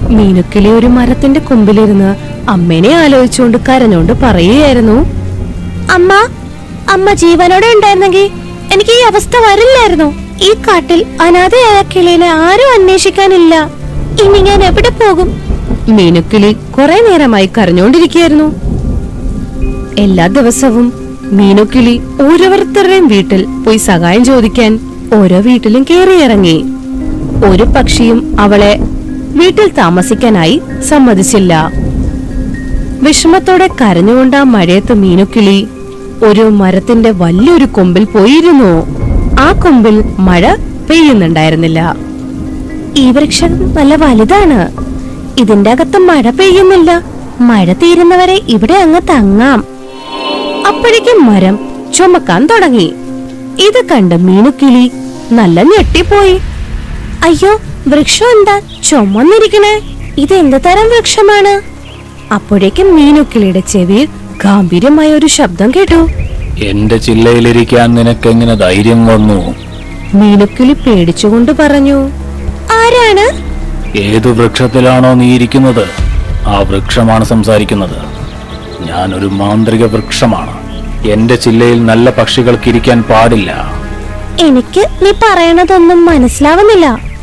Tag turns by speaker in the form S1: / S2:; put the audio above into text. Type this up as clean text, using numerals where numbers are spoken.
S1: മീനുക്കിളി ഒരു മരത്തിന്റെ കൊമ്പിലിരുന്ന് അമ്മേനെ ആലോചിച്ചുകൊണ്ട് കരഞ്ഞോണ്ട് പറയുകയായിരുന്നു, അമ്മ, അമ്മ ജീവനോടെ ഉണ്ടായിരുന്നെങ്കിൽ എനിക്ക് ഈ അവസ്ഥ വരില്ലായിരുന്നു. ഈ കാട്ടിൽ അനാഥയായ കിളിയെ ആരും അന്വേഷിക്കാനില്ല. ഇനി ഞാൻ എവിടെ പോകും? മീനുക്കിളി കുറെ നേരമായി കരഞ്ഞോണ്ടിരിക്കുകയായിരുന്നു. എല്ലാ ദിവസവും മീനുക്കിളി ഓരോരുത്തരുടെയും വീട്ടിൽ പോയി സഹായം ചോദിക്കാൻ ഓരോ വീട്ടിലും കേറിയിറങ്ങി. ഒരു പക്ഷിയും അവളെ വീട്ടിൽ താമസിക്കാനായി സമ്മതിച്ചില്ല. വിഷമത്തോടെ കരഞ്ഞുകൊണ്ട് ആ മഴയത്ത് മീനുക്കിളി ഒരു മരത്തിന്റെ വലിയൊരു കൊമ്പിൽ പോയിരുന്നു. ആ കൊമ്പിൽ മഴ പെയ്യുന്നുണ്ടായിരുന്നില്ല. ഈ വൃക്ഷം നല്ല വലുതാണ്, ഇതിന്റെ അകത്ത് മഴ പെയ്യുന്നില്ല. മഴ തീരുന്നവരെ ഇവിടെ അങ്ങ് തങ്ങാം. അപ്പോഴേക്കും മരം ചുമക്കാൻ തുടങ്ങി. ഇത് കണ്ട് മീനുക്കിളി നല്ല ഞെട്ടിപ്പോയി. അയ്യോ, വൃക്ഷം എന്താ ചുമന്നിരിക്കണേ? ഇത് എന്ത് തരം വൃക്ഷമാണ്? അപ്പോഴേക്കും മീനുക്കിളിയുടെ ചെവിയിൽ ഗാംഭീര്യമായ ഒരു ശബ്ദം കേട്ടു.
S2: എന്റെ ചില്ലയിലിരിക്കാൻ നിനക്കെങ്ങനെ ധൈര്യം വന്നു?
S1: മീനുക്കിളി പേടിച്ചുകൊണ്ട് പറഞ്ഞു, ആരാണ്?
S2: ഏതു വൃക്ഷത്തിലാണോ നീ ഇരിക്കുന്നത്, ആ വൃക്ഷമാണ് സംസാരിക്കുന്നത്. ഞാനൊരു മാന്ത്രിക വൃക്ഷമാണ്. എന്റെ ചില്ലയിൽ നല്ല പക്ഷികൾക്ക് ഇരിക്കാൻ പാടില്ല.
S1: എനിക്ക് നീ പറയണതൊന്നും മനസ്സിലാവുന്നില്ല.